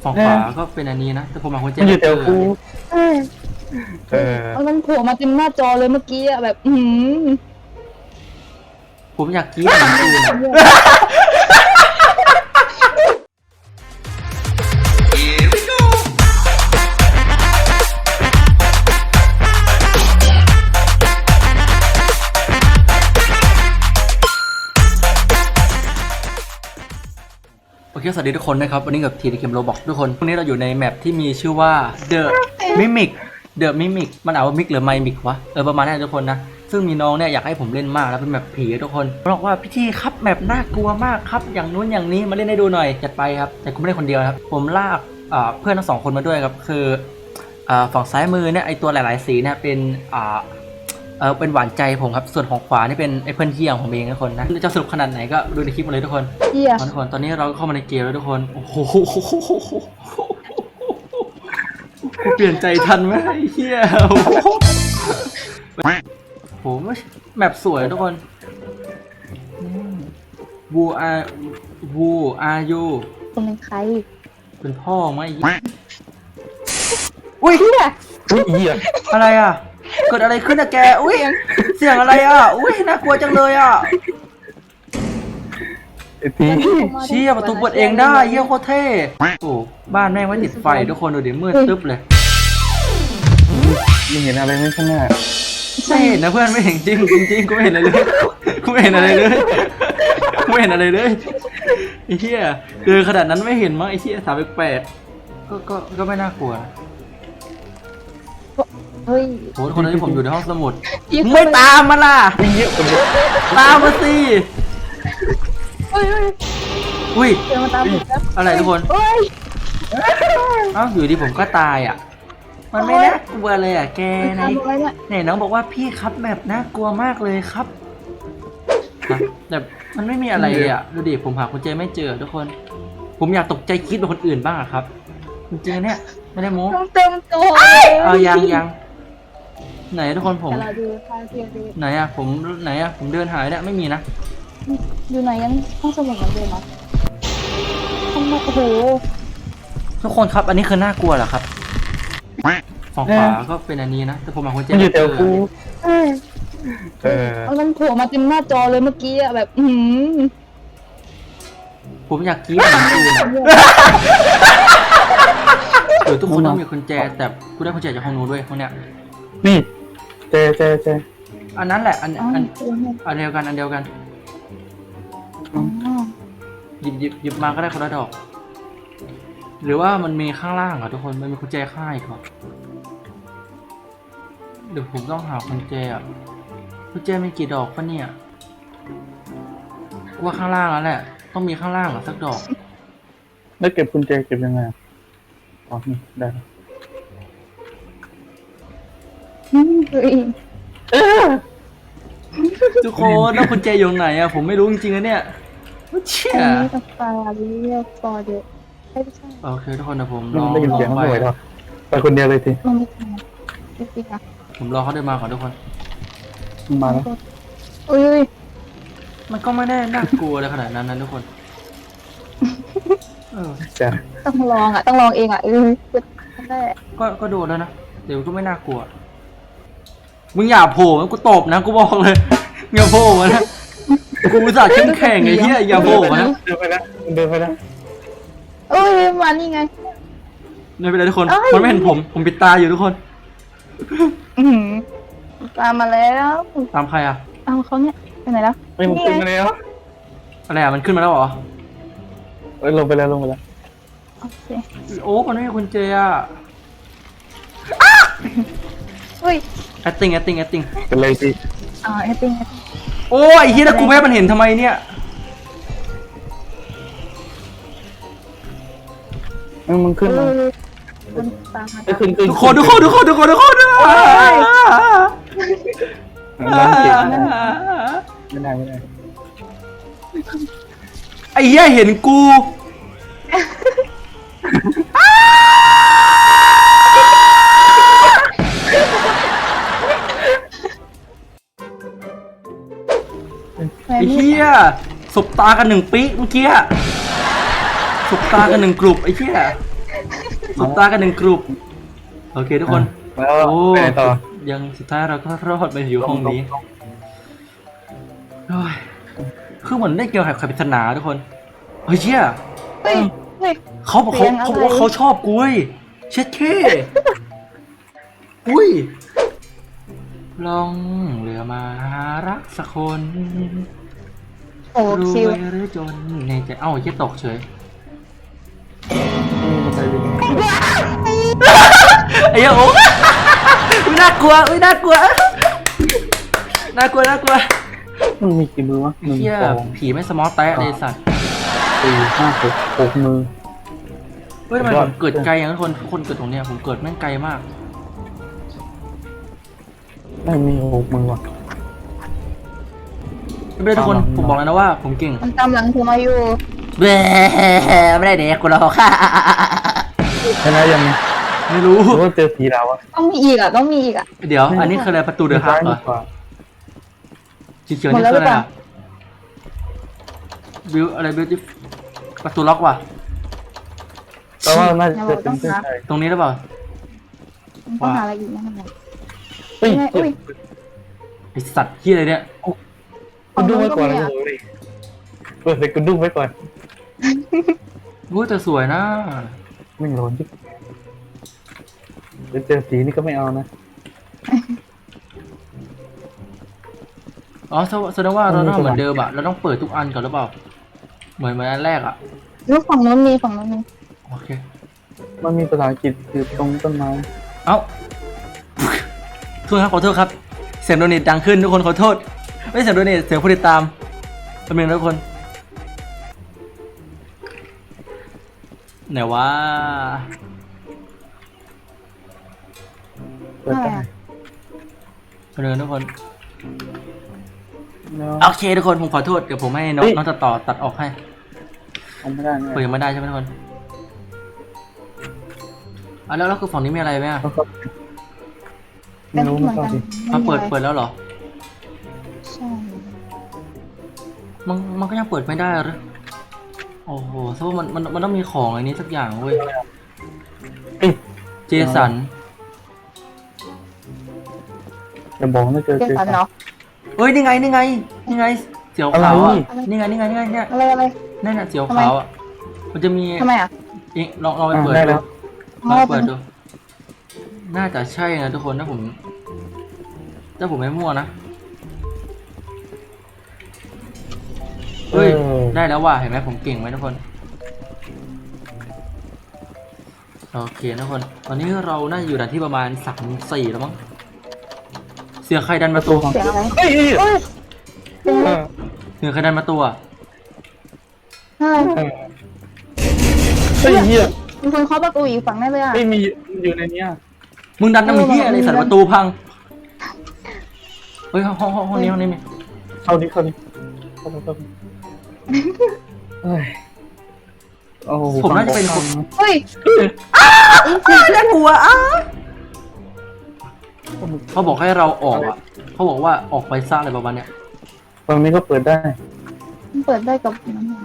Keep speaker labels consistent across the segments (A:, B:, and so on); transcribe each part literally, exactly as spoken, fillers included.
A: ฝั่งขวาก็เป็นอันนี้นะแต่ผมมาคนเจ็บ
B: มันอยู่แถวกู
C: เออ
B: เออ
C: มันโผล่มาเต็มหน้าจอเลยเมื่อกี้อะแบบ อืม
A: ผมอยากกรี๊ดเหมือนกูนะโอเคสวัสดีทุกคนนะครับวันนี้กับทีดีเกมโรบอกทุกคนวันนี้เราอยู่ในแมปที่มีชื่อว่า The Mimic The Mimic มันอ่านว่ามิกหรือไมมิกวะเออประมาณนั้นทุกคนนะซึ่งมีน้องเนี่ยอยากให้ผมเล่นมากแล้วเป็นแมปผีทุกคนบอกว่าพี่ทีครับแมปน่ากลัวมากครับอย่างนู้นอย่างนี้มาเล่นให้ดูหน่อยจัดไปครับแต่กูไม่ได้คนเดียวครับผมลากเพื่อนทั้งสองคนมาด้วยครับคือฝั่งซ้ายมือเนี่ยไอตัวหลายๆสีเนี่ยเป็นเออเป็นหวานใจผมครับส่วนของขวานี่เป็นไอเพื่อนเที่ยงผมเองทุกคนนะจะสนุกขนาดไหนก็ดูในคลิปมาเลยทุกคนทุกคนตอนนี้เราเข้ามาในเกมแล้วทุกคนโอ้โหเปลี่ยนใจทันไหมไอ้เหี้ยโหแมปสวยทุกคนวูอาวูอายู
C: คุณเป็นใคร
A: เป็นพ่อไหมอุ้ย
B: อุ้ยเหี้ย
A: อะไรอ่ะเกิดอะไรขึ้นอะแกอุ้ยเสียงอะไรอ่ะอุ้ยน่ากลัวจังเลยอ่ะ
B: ไอ้ที
A: เชี่ยประตูเปิดเองได้เยี่ยโคตรเท่โอ้บ้านแม่งไม่ติดไฟทุกคนดูดิมืดตึ๊บเลย
B: มึงเห็นอะไรไหมข้างหน้า
A: ไม่เห็นนะเพื่อนไม่เห็นจริงจริงจริงกูไม่เห็นอะไรเลยกูไม่เห็นอะไรเลยกูไม่เห็นอะไรเลยไอ้เหี้ยเดินขนาดนั้นไม่เห็นมั้งไอ้เหี้ยสาวแปลกๆก็ก็ก็ไม่น่ากลัว
C: เฮ้ย
A: โหคนนั้นที่ผมอยู่ในห้องสมุดไม่ตามมาล่ะ
B: เยอะคนเยอะ
A: ตามมาสิ
C: เฮ้ย
A: อุ้ย
C: เดี๋ยวมาตามผมแล้ว
A: อะไรทุกคน
C: เฮ้ย
A: อ้าวอยู่ดีผมก็ตายอ่ะมันไม่น่ากลัวเลยอ่ะแกไหนไหนน้องบอกว่าพี่ครับแบบน่ากลัวมากเลยครับแต่มันไม่มีอะไรเลยอ่ะดูดิผมหากุญแจไม่เจอทุกคนผมอยากตกใจคิดเป็นคนอื่นบ้างอะครับจริงๆเนี่ยไม่ได้โม้
C: เต็มตัว
A: เอายังยังไหนทุกคนผมไหนอะผมไหนอะผมเดินหายเนี่ยไม่มีนะ
C: อยู่ไหนยังห้องสมุดเหมือนเดิมเหรอห้องโอ้โห
A: ทุกคนครับอันนี้คือน่ากลัวเหรอครับฝั่งขวาก็เป็นอันนี้นะแต่ผมมาคนเจ็บ
B: มันอยู่แถวกู
C: เออเออมันโผล่มาเต็มหน้าจอเลยเมื่อกี้อะแบบ อืม
A: ผมอยากกรี๊ดเหมือนกูนะเออทุกคนต้องมีกุญแจแต่กูได้กุญแจจากห้องนู้นด้วยห้องเนี้ย
B: นี่เจเจเจ
A: อันนั้นแหละอันอันอันเดียวกันอันเดียวกันหยิบหยิบหยิบมาก็ได้คนละดอกหรือว่ามันมีข้างล่างอ่ะทุกคนมันมีกุญแจข้างอีกเหรอเดี๋ยวผมต้องหากุญแจอ่ะกุญแจมีกี่ดอกปะเนี่ยว่าข้างล่างแล้วแหละต้องมีข้างล่างอ่ะสักดอก
B: แล้วเก็บกุญแจเก็บยังไงอ๋อนี่ได้
A: ทุกคนแล้วกุญแจอยู่ไหนอ่ะผมไม่รู้จริงๆนะเนี่ยเชี่ย
C: ปลาเรียกปอเด็ก
A: โอเคทุกคนนะผมรอ
B: ได้ยินเสียงเขาเลยหรอไปคนเดียวเลยที
A: ผมรอเขาเดินมาก่อนทุกคน
B: มาแล้ว
C: อุ้ย
A: มันก็ไม่ได้น่ากลัวอะไรขนาดนั้นนะทุกคนเออ
C: ต้องลองอ่ะต้องลองเองอ่ะเออได้
A: ก็ก็โดนแล้วนะเดี๋ยวก็ไม่น่ากลัวมึงอย่าโผล่กูตบนะกูบอกเลยอย่าโผล่มานะกูอุตส่าห์เข้มแข็งไอ้เหี้ยอย่าโผล่มานะ
B: เดินไปแล้วเดินไปแล้ว
C: เอ้ยมานี่ไง
A: ไม่เป็นไรทุกคนมันไม่เห็นผมผมปิดตาอยู่ทุกคน
C: ตามมาแล้ว
A: ตามใครอ่ะ
C: ตามเขาเนี่ยไปไหนแล้ว
B: ไม่มันขึ้นมาแล้ว
A: อะไรอ่ะมันขึ้นมาแล้วเหรอ
B: เอ้ยลงไปแล้วลงไปแล้ว
C: โอเค
A: โอ้มันไม่มีกุญแจอ่ะ
C: อุ้ย
A: acting acting acting
B: เป็นไรสิ
C: อ่า acting
A: โอ้ยเฮียแล้วกูแม่มันเห็นทำไมเนี่ย
B: มันขึ้นมา
A: ทุกคนทุกคนทุกคนทุกคนทุกคนทุกคน
B: ไม่ได้ไม่ได้
A: ไอ้เหี้ยเห็นกูไอ้เหี้ยสบตากันหนึ่งปีเมื่อกี้สบตากันหนึ่งกลุ่มไอ้เหี้ยสุดตากันหนึ่งกลุ่มโอเคทุกคน
B: แล้ว
A: โอ้
B: ไปไหนต่อ
A: ยังสุดท้ายเราก็รอดมาอยู่ห้องนี้โอ้ยคือเหมือนได้เกี่ยวกับใครปริศนาทุกคนเฮ้ยเชี่ย
C: เฮ้ยเฮ้ย
A: เขาบอกเขา
C: เสียงอะไร
A: เขาบอกว่าเขาชอบกูเว้ยเช็ดเค้อุ้ยลองเรือมาหารักสักคน
C: โอ้
A: ร
C: คิว
A: วยหรือจนในใจเอ้าเหี้ยตกเฉย
B: มันไปดิ
A: ไอ้เหี้ยโอ้อุ๊ยน่ากลัวอุ้ยน่ากลัวน่ากลัวน่ากลัว
B: มันมีกี่มือวะหนึ่ง
A: เหี้ย
B: สอง
A: ผีไม่สมอลแตะเลยสัตว์
B: สี่ห้าหกหกมือ
A: เฮ้ยทำไม
B: ย
A: ผ
B: อด
A: มเกิดไกลอย่างนั้นคนคนเกิดตรงเนี้ยผมเกิดแม่งไกลมาก
B: ไม่มีหกมือว่ะ
A: ไม่เป็นไรทุกคน
B: ตามหลัง
A: ผมบอกแล้วนะว่าผมเก่ง
C: มันตามหลังเธอมาอยู่
A: แหมไม่ได้เด็กกูหรอกค่ะ
B: ชนะยัง
A: ไม่รู้
B: หรือว่าเจอผีดาวอะ
C: ต้องมีอีกอ่ะต้องมีอีกอ่ะ
A: เดี๋ยว อันนี้คืออะไรประตูเดือดฮักเหรอ
B: ซ้ายดีกว่า
A: สีเขียวนี่คืออะไรอะบิวอะไรบิวที่ประตูล็อกว่ะ
B: แต่ว่าน่าจะเป็นเส้นชัย
A: ตรงนี้หรือเปล่า
C: มันต้องหาอะไรอีกนะ
B: เฮ้ย
C: อุ้ย
A: ไอสัตว์ที่อะไรเนี่ย
B: คุณดุ้งไว้ก่อนนะเลยเปิดเลยคุณดุ้งไว้ก่อน
A: รู้แต่สวยนะ
B: ไม่ร้อนจิ๊บเดี๋ยวเจอสีนี่ก็ไม่เอานะ
A: อ๋อแสแสดงว่าเราต้องเหมือนเดิมอะเราต้องเปิดทุกอันก่อนหรือเปล่า เหมือนเหมือนอันแรกอะ
C: แล้วฝั่งนู้นมีฝั่งนู้นมี
A: โอเค
B: มันมีภาษาอังกฤษอยู่ตรงต้นไม้
A: เอ้าทุกคนครับขอโทษครับ เสียงโดเนทดังขึ้นทุกคนขอโทษ ไม่ใช่เสียงโดเนทเสียงผู้ติดตามเป็นเมนทุกคนไหนว่า
B: เปิดได้
A: เป็นเมนทุกคน
B: เนาะ
A: โอเคทุกคนผมขอโทษเดี๋ยวผมให้น้อง
B: เฮ้ย
A: น้องตัดต่อตัดออกให้
B: เอาไม่ได้เนี่ย
A: เปิดยังไม่ได้ใช่ไหมทุกคนอ่ะแล้วแล้วคือฝั่งนี้มีอะไรไหมอ่ะ
B: เขาเข้าไม่รู้ไม่เข้าสิ
A: อ่ะเปิดเปิดแล้วเหรอ
C: ใช่
A: มันมันก็ยังเปิดไม่ได้หรือโอ้โหเพราะว่ามันมันมันต้องมีของอะไรนี้สักอย่างเว้ย
B: เอ้ย
A: เจสัน
B: อย่าบอกนะเจอ
C: เจ
B: เจอ
C: สันเนาะ
A: เอ้ยนี่ไงนี่ไงนี่ไงเสียวขาว
B: อะไร
A: อ่ะนี่ไงนี่ไงนี่ไงเนี่ย
C: อะไรอะไร
A: นั่นน่ะเสียวขาวอ่ะมันจะมี
C: ทำไมอ่ะ
A: เอ๊ะลองลองไป
B: อ่ะ
A: เปิด
B: ได้
A: ดู
B: แล้ว
A: ลองไปเปิดดูน่าจะใช่นะทุกคนถ้าผมถ้าผมไม่มั่วนะเฮ้ย
B: ออ
A: ได้แล้วว่ะเห็นไหมผมเก่งไหมทุกคนโอเคทุกคนตอนนี้เราน่าจะอยู่ด่านที่ประมาณสามสี่แล้วมั้งเสียงใครดันมาตัว
C: เสียงอะไร
B: เฮ้ยเฮ้ย
C: เอ้ยเสียง
B: เอ
C: อะไร
B: อ
A: เสียงใครดันมาตัว
C: ใช่
B: เออเฮ้ยเฮีย
C: มีคนเคาะประตูอีกฝั่งได้เลยอ่ะ
B: เฮ้ยมีอยู่ในเนี้ย
A: มึงดันน้ำมันเหี้ยอะไร
C: เออ
A: สัตว์ประตูพังเฮ้ยห้องห้องห้องห้องนี้ห้องนี้มี
B: เข้าดิเข้าดิเข้าดิเข้าดิเฮ้ยโอ้โห
A: ผมน่าจะเป็นคน
C: เฮ้ย
A: น่ากลัวอ้าเขาบอกให้เราออกอ่ะเขาบอกว่าออกไปซ่าอะไรประมาณเนี้ย
B: ตรงนี้ก็เปิดได้
C: มันเปิดได้กับน้ำมัน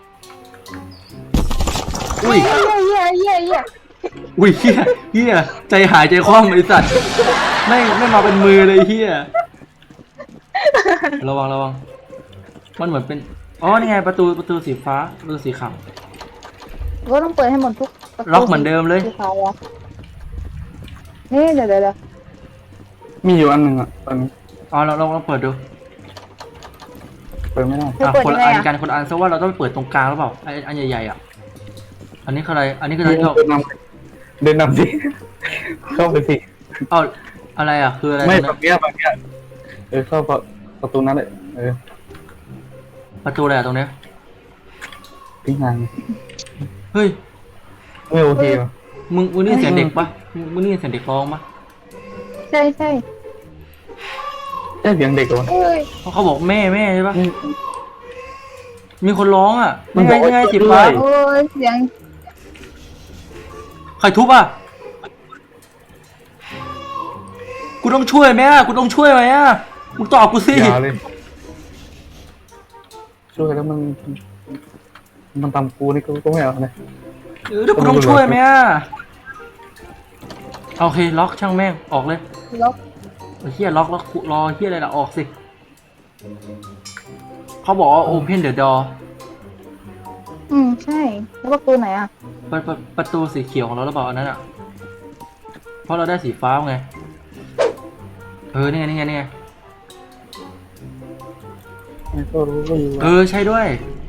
A: อุ้ย
C: เฮียเฮียเฮียเฮีย
A: อุ้ยเฮียเฮียใจหายใจคว่ำไอ้สัตว์ไม่ไม่มาเป็นมือเลยเฮียระวังระวังมันเหมือนเป็นอ๋อนี่ไงประตูประตูสีฟ้าประตูสีขาว
C: ก็ต้องเปิดให้หมดทุกประตู
A: ล็อกเหมือนเดิมเลย
C: สีขาวอะนี่เดี๋ยวเดี๋ยวเดี๋ยว
B: มีอยู่อันหนึ่งอ่ะตอนนี้
A: อ๋อเราเราลองเปิดดู
B: เปิดไม่ได้
C: เธอ
A: อ่ะ
C: เปิด
A: คน
C: ยัง
A: ละ
C: ไง
A: อัน
C: อ่ะ
A: กันคนละอันซะว่าเราต้องไปเปิดตรงกลางหรือเปล่าไอ้อันใหญ่ๆอ่ะอันนี้คืออะไรอันนี้คืออะไรที่เรา
B: เดินนำเดินนำสิเข้าไปสิ
A: เอาอะไรอ่ะคืออะไร
B: ไม่
A: ตรง
B: แบ
A: นั้น
B: บเนี้ยแบบเนี้ยเออเข้าประตูนั้นเลยเออ
A: ประตูอะไรอ่ะตรงเนี้ย
B: ทิ้งงาน
A: เฮ้ย
B: ไม่โอเคว่ะ
A: มึงมึงนี่เสียงเด็กปะมึงมึงนี่เสียงเด็กร้องปะ
C: ใช่ใช่
B: ใช่เสียงเด็กเหรอวะ
C: เอ้ย
A: เพราะเขาบอกแม่แม่ใช่ปะ
B: นี่
A: มีคนร้องอ่ะ
B: มัน
A: นี่ไง
B: บอก
A: นี่ไง
B: ว่า
A: สี
B: ช่วย
A: ฟ้า
B: ด้วย
C: โอ้ยเสียง
A: ใครทุบอ่ะกูต้องช่วยไหมอ่ะกูต้องช่วยไหมอ่ะมึงตอบกูสิ
B: อย่าเลยช่วยแล้วมันมันทำกูนี่ก็ก็ไม่เอาเลย
A: เออเดี๋ยวกูต้องช่วยไหมอ่ะโอเคล็อกช่างแม่งออกเลย
C: ล็อก
A: ไอ้เฮียล็อกแล้วรอเฮียอะไรล่ะออกสิเขาบอกว่า open the door
C: อืมใช่แล้วประตูไหนอ่ะ
A: เปิดประประตูสีเขียวของเราหรือเปล่าอันนั้นอ่ะเพราะเราได้สีฟ้าไงเออนี่ไงนี่ไงนี่ไง
B: มันก็รู้ว่าอยู่
A: เออใช่ด้วย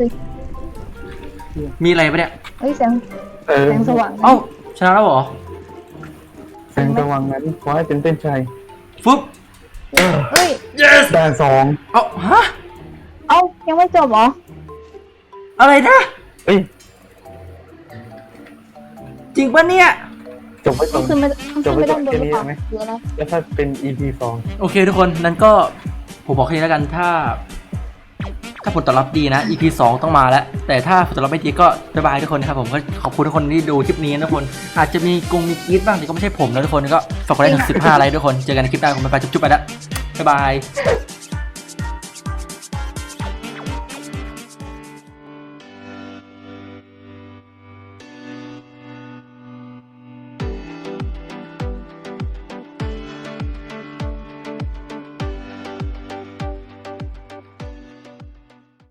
A: มีอะไรปะเนี่ย
C: เฮ้ยแสง
B: เออ
C: แสงสว่าง
A: เอ้าชนะแล้วเหรอ
B: แสงสว่างนั้นขอให้เป็นเส้นชัย
A: ฟึบ
B: เออ
C: เฮ้ย
A: yes
B: ด่านสอง
A: เอ้าฮะ
C: เอ้ายังไม่จบเหรอ
A: อะไรนะ
B: เอ้ย
A: จริงปะเนี่ย
B: จบไปส
C: ต้
B: อ
C: อง งขึ้นไม่ต้องขึ้นไม่ต้องโดนหรือเปล่า
B: จบไว้ก่อนแค่นี้ไหม
C: เดี๋ยวนะ
B: แล้วถ้าเป็น อี พี สอง
A: โอเคทุกคนนั้นก็ผมบอกแค่นี้แล้วกันถ้า ถ้าผลตอบรับดีนะ อี พี สองต้องมาแล้ว แต่ถ้าผลตอบรับไม่ดีก็บ๊ายบายทุกคนนะครับผมก็ขอบคุณทุกคนที่ดูคลิปนี้นะทุกคนอาจจะมีกงมีกรี๊ดบ้างแต่ก็ไม่ใช่ผมนะทุกคนก็ฝากกดไลค์ถึงสิบห้าไลค์ทุกคนเจอกันในคลิปหน้าผมบ๊ายบายจุ๊บๆไปแล้วบ๊ายบาย